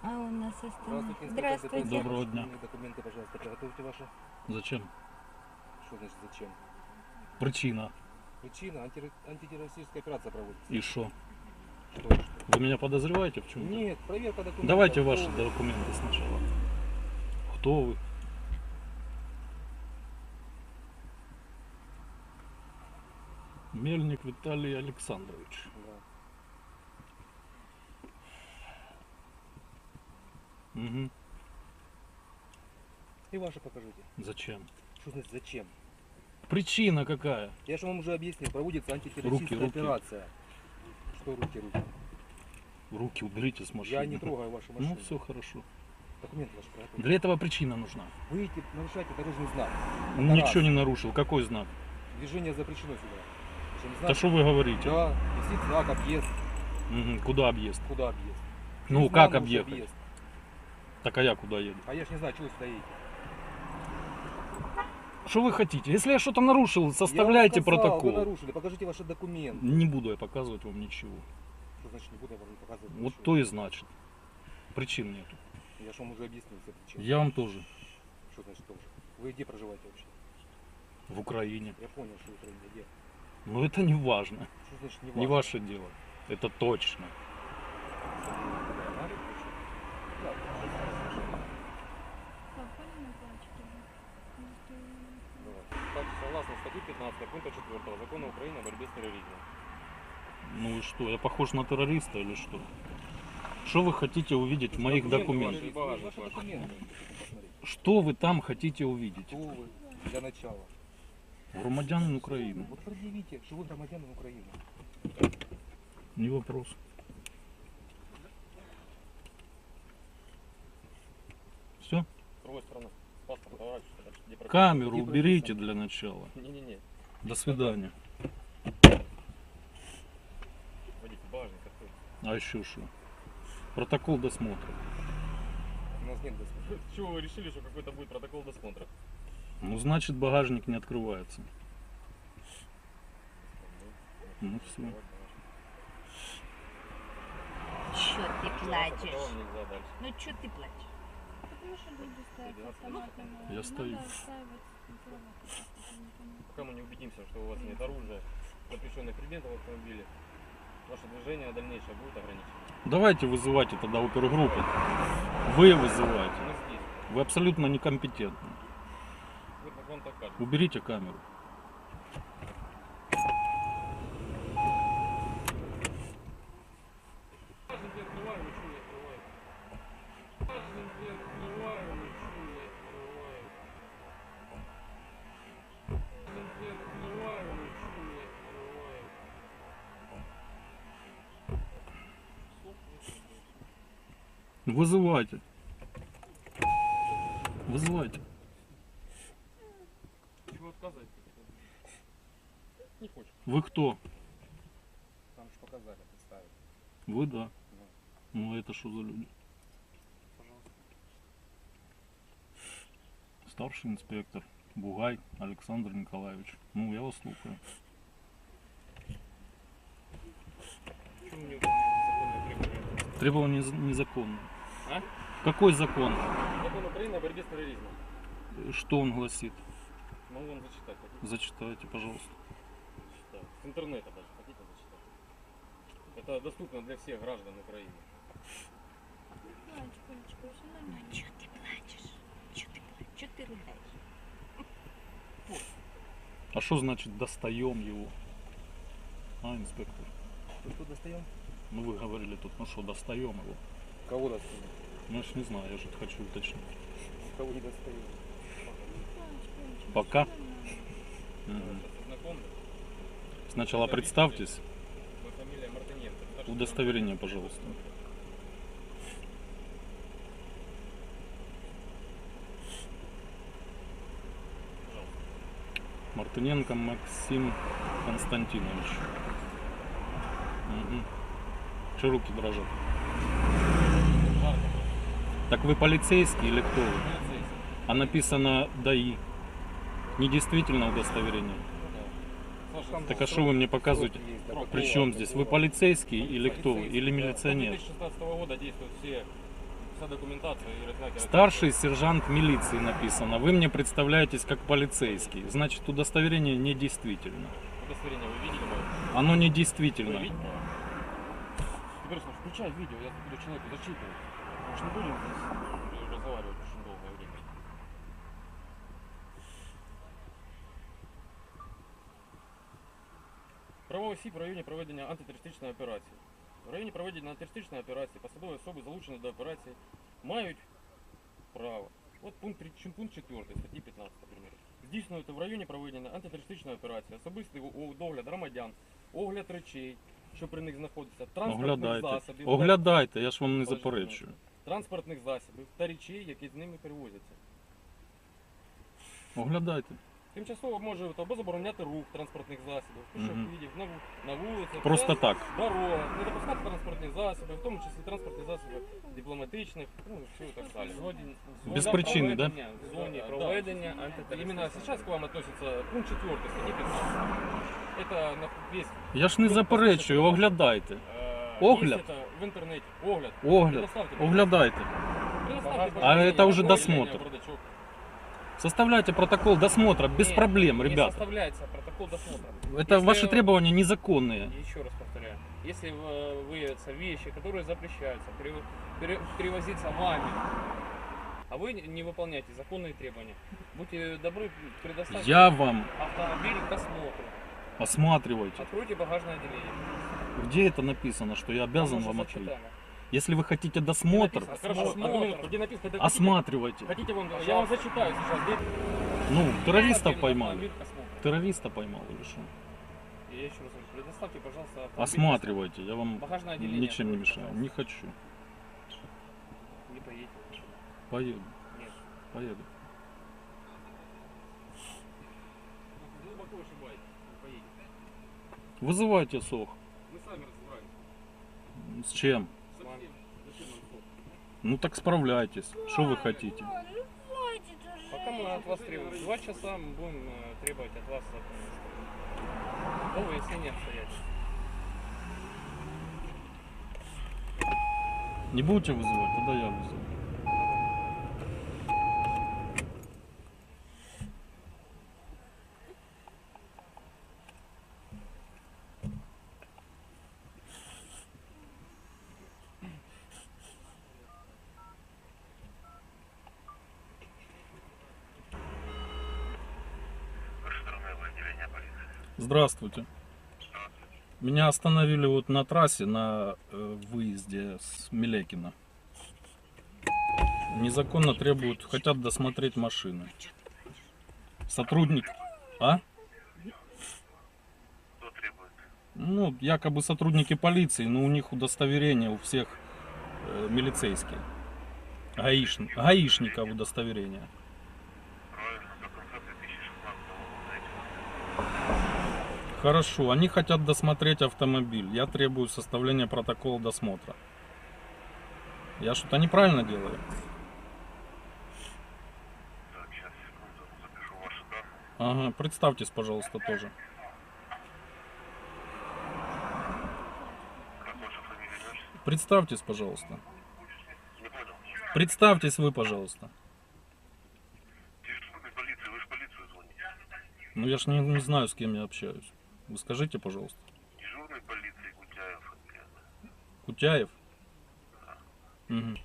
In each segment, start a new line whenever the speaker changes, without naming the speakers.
А у нас остальные.
Здравствуйте,
Здравствуйте.
Доброго дня.
Документы, пожалуйста, приготовьте ваши.
Зачем?
Что значит зачем?
Причина.
Причина, антитеррористическая операция проводится.
И что?
Что?
Вы меня подозреваете в чем-то?
Нет, проверка документов.
Давайте
Кто
ваши
вы?
документы сначала. Кто вы? Мельник Виталий Александрович.
Да.
Угу.
И ваши покажите.
Зачем?
Что значит зачем?
Причина какая?
Я же вам уже объяснил, проводится антитеррористическая
Руки.
операция. Что руки?
Руки уберите с машины.
Я не трогаю вашу машину.
Ну все хорошо.
Документы ваши приготовьте.
Для этого причина нужна.
Вы нарушаете дорожный знак. Это
Ничего
раз.
не нарушил. Какой знак?
Движение запрещено сюда. Причем знак-
Да что вы говорите?
Да, висит знак объезд.
Мгм. Куда объезд?
Куда объезд?
Ну
Через
как
Маму
объехать?
объезд.
Так а я куда еду?
А я ж не знаю, чего вы сюда едете.
Что вы хотите? Если я что-то нарушил,
Я
составляйте
вам сказал,
протокол.
Вы нарушили, покажите ваши документы.
Не буду я показывать вам ничего.
Что значит не буду я вам показывать?
Вот
ничего?
то и значит. Причин нету.
Я же вам уже объяснил все причины.
Я вам тоже.
Что значит тоже? Вы где проживаете вообще?
В Украине.
Я понял, что вы Украине где.
Но это не важно.
Что значит не
Не
важно?
ваше дело. Это точно.
Так, согласно статье 15 пункта 4 Закона Украины о борьбе с терроризмом.
Ну и что? Я похож на террориста или что? Что вы хотите увидеть в моих
Документы
документах?
ваши.
Ваши документы. Посмотрите.
Что вы там хотите увидеть?
Кто вы для начала?
Громадянин Украины.
Вот предъявите, что вы громадянин Украины.
Не вопрос. Все?
С другой стороны, паспорт поворачивается, где прописано.
Камеру
Где
уберите
прописано?
для начала.
Не-не-не,
До свидания.
водитель, багажник открыть.
А еще что? Протокол досмотра.
У нас нет досмотра.
С чего вы решили, что какой-то будет протокол досмотра?
Ну значит багажник не открывается. Ну все.
Чё ты
Потом
плачешь?
нельзя дальше.
Ну чё ты плачешь?
Потому что люди стоят с автоматами.
Я стою.
Надо отстаивать права, я не понимаю.
Пока мы не убедимся, что у вас нет оружия, запрещенных предметов в автомобиле, ваше движение дальнейшее будет ограничено.
Давайте вызывайте тогда опергруппу. Вы вызываете.
Мы здесь.
Вы абсолютно некомпетентны.
Вот как вам так кажется.
Уберите камеру.
Багажник не открываю, ничего не открываю. Багажник не открываю, ничего не открываю. Багажник не открываю, ничего не открываю.
Вызывайте. Вызывайте.
Чего отказывать? Не хочешь.
Вы кто?
Там же показали, представили.
Вы да. Ну это что за люди?
Пожалуйста.
Старший инспектор Бугай Александр Николаевич. Ну я вас слушаю.
Почему не выполняете законные требования?
Требования незаконные.
А?
Какой закон?
Закон Украины о борьбе с терроризмом.
Что он гласит?
Могу вам зачитать. Хотите?
Зачитайте, пожалуйста.
Читаю. С интернета даже. Хотите зачитать? Это доступно для всех граждан Украины.
Плачь, Колечка, все нормально.
Чё ты плачешь? Чё ты рыдаешь?
А что значит достаем его? А, инспектор?
Что достаем?
Ну вы говорили тут, ну что, достаем его?
Кого достаем?
Ну я ж не знаю, я же хочу уточнить.
Кого не достаем?
Плачь, Колечка,
Пока?
всё нормально.
Мгм.
Сейчас ознакомлюсь.
Сначала представьтесь.
Моя фамилия Мартыненко. Старший
Удостоверение, пожалуйста. Мартыненко Максим Константинович. Угу. Че руки дрожат?
Жарко.
Так вы полицейский или кто вы?
Полицейский.
А написано ДАИ. Недействительно удостоверение.
Да. Саша,
Там
Так а что вы мне показываете?
Сроки есть, да,
Срок.
При чем здесь? Вы полицейский или кто вы? Или
С
милиционер?
2016 года действуют вся документация и размять.
Старший сержант милиции написано. Вы мне представляетесь как полицейский. Значит, удостоверение недействительно.
Удостоверение вы видели мое?
Оно
Вы
недействительно.
видите? Теперь слушай, включай видео, я буду человеку зачитывать. Мы же не будем здесь разговаривать очень долгое время. Правовий осіб в районі проведення антитерористичної операції. В районі проведення антитерористичної операції посадові особи, залучені до операції, мають право. От пункт 4 статті 15, наприклад. Здійснювати в районі проведення антитерористичної операції особистий догляд громадян, огляд речей, що при них знаходиться, транспортних
Оглядайте.
засобів,
Оглядайте, я ж вам не
Подожди,
заперечую.
транспортних засобів та речей, які з ними перевозяться.
Оглядайте.
Тимчасово може або забороняти рух транспортних засобів, пішоходів, на вулицях,
Просто
та
так.
дорогах, не допускати транспортні засоби, в тому числі транспортні засоби дипломатичних, ну і все і так далі.
Без причини, да?
В зоні проведення антитерористичної. Именно сейчас к вам относится пункт 4 статьи 15. Это на весь...
Я ж не заперечую, оглядайте. Огляд?
Есть это в интернете. Огляд.
Огляд.
Предоставьте, пожалуйста.
Оглядайте.
Предоставьте,
А
пожалуйста,
это уже
на
досмотр.
бардачок.
Составляйте протокол досмотра без проблем,
Не
ребята.
составляется протокол досмотра.
Это
Если-
ваши требования незаконные.
Еще раз повторяю. Если выявятся вещи, которые запрещаются перевозиться вами, а вы не выполняете законные требования, будьте добры, предоставьте
Я вам
автомобиль к осмотру.
осматривайте.
Откройте багажное отделение.
Где это написано, что я обязан
Там
вам
уже
открыть?
зачитано.
Если вы хотите досмотр,
А, хорошо,
Осмотр.
одну минутку, где написано, хотите-
осматривайте.
Хотите я вам зачитаю сейчас. Где...
Ну, террористов
Автомобиль
поймали.
к осмотру.
Террориста поймал или что?
Я еще раз говорю, предоставьте, пожалуйста, автомобиль.
Осматривайте, я вам
Багажное отделение.
ничем не
откройте,
мешаю.
пожалуйста.
Не хочу.
Не поедете.
Поеду,
Нет.
поеду.
Глубоко ошибаетесь, не поедете.
Вызывайте СОХ.
Мы сами разбираемся.
С чем?
Зачем? Зачем нам СОХ?
Ну так справляйтесь. Что вы хотите?
Ой, ну хватит уже.
Пока мы от вас требуем. 2 часа мы будем требовать от вас новое выяснение обстоятельств.
Не будете вызывать, тогда я вызову. Здравствуйте. Меня остановили вот на трассе на выезде с Милекина. Незаконно требуют, хотят досмотреть машины. Сотрудник. А?
Кто требует?
Ну, якобы сотрудники полиции, но у них удостоверение у всех милицейские. Гаишников удостоверение.
Правильно, до конца 2016 года, знаете.
Хорошо, они хотят досмотреть автомобиль. Я требую составления протокола досмотра. Я что-то неправильно делаю?
Так, сейчас, секунду, запишу ваши данные.
Ага, представьтесь, пожалуйста, тоже.
Как ваша фамилия, имя, отчество?
Представьтесь, пожалуйста.
Не понял.
Представьтесь вы, пожалуйста.
Дежурный полиции, вы же в полицию звоните.
Ну я ж не знаю, с кем я общаюсь. Вы скажите, пожалуйста.
Дежурный полиции Гутяев, фамилия.
Кутяев? Мгм.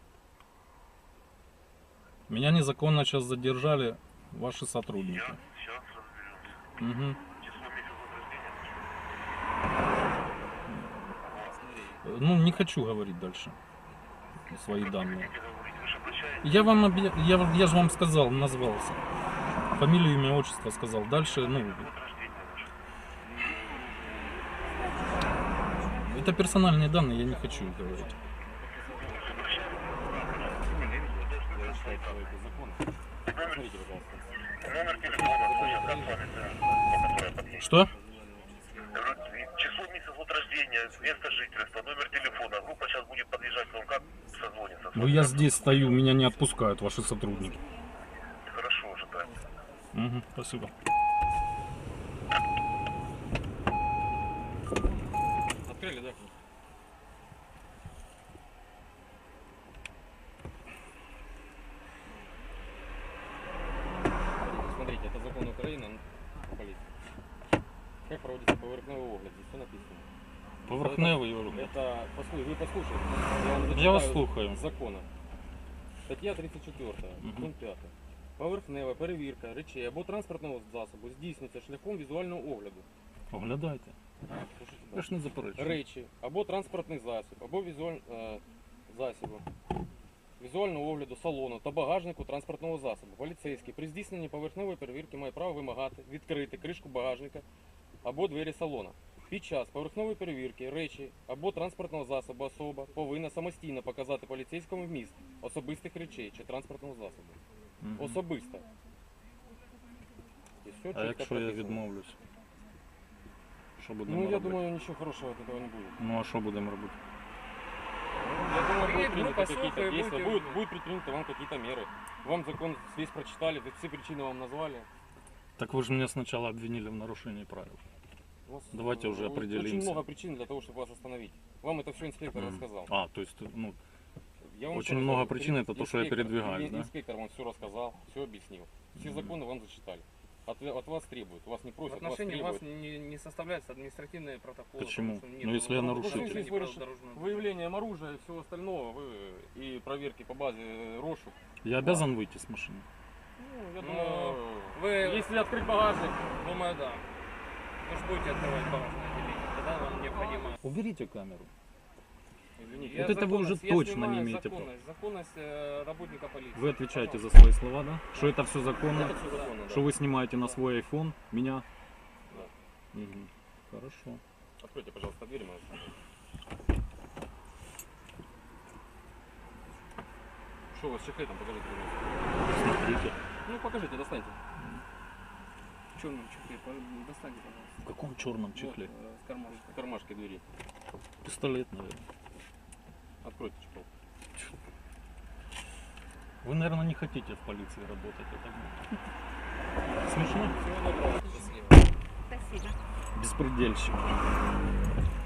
Меня незаконно сейчас задержали ваши сотрудники.
Я сейчас разберемся.
Мгм.
Число, месяц, год рождения.
Ну, не хочу говорить дальше свои данные.
Хотите говорить, вы же обращаетесь.
Я же вам сказал, назвался. Фамилию, имя, отчество сказал. Дальше, ну,
Год рождения ваш.
это персональные данные, я не хочу их говорить.
Посмотрите, пожалуйста.
Номер телефона, слушай, как с вами, по которой подъедет?
Что?
Число, месяц, год рождения, место жительства, номер телефона. Группа сейчас будет подъезжать к вам, как созвониться?
Ну, я здесь стою, меня не отпускают ваши сотрудники.
Хорошо, ожидаем.
Угу, спасибо.
Открыли, да? Как проводится поверхневый огляд? Здесь все написано.
Поверхневий огляд.
Это, вы послушайте.
Я вас
зачитаю
слухаю.
з закону. Стаття 34, пункт 5. Поверхнева перевірка речей або транспортного засобу здійснюється шляхом візуального огляду.
Оглядайте.
Слушайте
Я
далі.
ж не заперечую.
Речі або транспортний засіб, або засібу. Візуального огляду салону та багажнику транспортного засобу. Поліцейський при здійсненні поверхневої перевірки має право вимагати відкрити кришку багажника або двері салона. Під час поверхневої перевірки речі або транспортного засобу особа повинна самостійно показати поліцейському вміст особистих речей чи транспортного засобу.
Мгм.
Особисто. І все
А
чітко
якщо я
прописано.
відмовлюсь? Що будемо
Ну, я
робити?
думаю, ничего хорошего от этого не будет.
Ну а що будемо робити?
Я думаю,
Ну,
будут приняты
послушаем,
какие-то действия,
будете-
будет предприняты вам какие-то меры. Вам закон весь прочитали, все причины вам назвали.
Так вы же меня сначала обвинили в нарушении правил.
У вас,
Давайте уже
очень
определимся.
много причин для того, чтобы вас остановить. Вам это все инспектор
Мгм.
рассказал.
А, то есть, ну,
Я вам
Очень
еще раз
много
говорю,
причин, это то, что я
инспектор,
передвигаюсь, да?
Инспектор вам все рассказал, все объяснил. Все
Мгм.
законы вам зачитали. От вас требуют, вас не
В
просят, вас
отношении
требуют.
вас не составляются административные протоколы.
Почему?
потому что
Ну, если я нарушитель.
нарушитель.
Ну, если вы выявлением оружия и всего остального, вы и проверки по базе розшук.
я обязан выйти с машины?
Ну, я
Ну,
думаю,
вы-
если открыть багажник,
Думаю, да. Вы же будете открывать багажное отделение, тогда вам необходимо.
Уберите камеру.
извините,
Я
Вот это вы уже
законность- я
точно не
снимаю
имеете
законность, законность работника полиции.
Вы отвечаете за
Пожалуйста.
свои слова, да? Что это все законно?
это все законно, да.
Что вы снимаете на свой iPhone меня?
Да.
Мгм. Хорошо.
Откройте, пожалуйста, дверь мою. Что у вас с чехлетом? Покажите, пожалуйста.
Смотрите.
Ну, покажите, достаньте.
В черном чехле, достаньте, пожалуйста.
В каком черном чехле?
Вот, с кармашка.
В кармашке двери.
Пистолет, наверное.
Откройте чехол.
Вы, наверное, не хотите в полиции работать, я так думаю. Смешно?
Всего доброго.
Счастливо.
Спасибо.
Беспредельщик.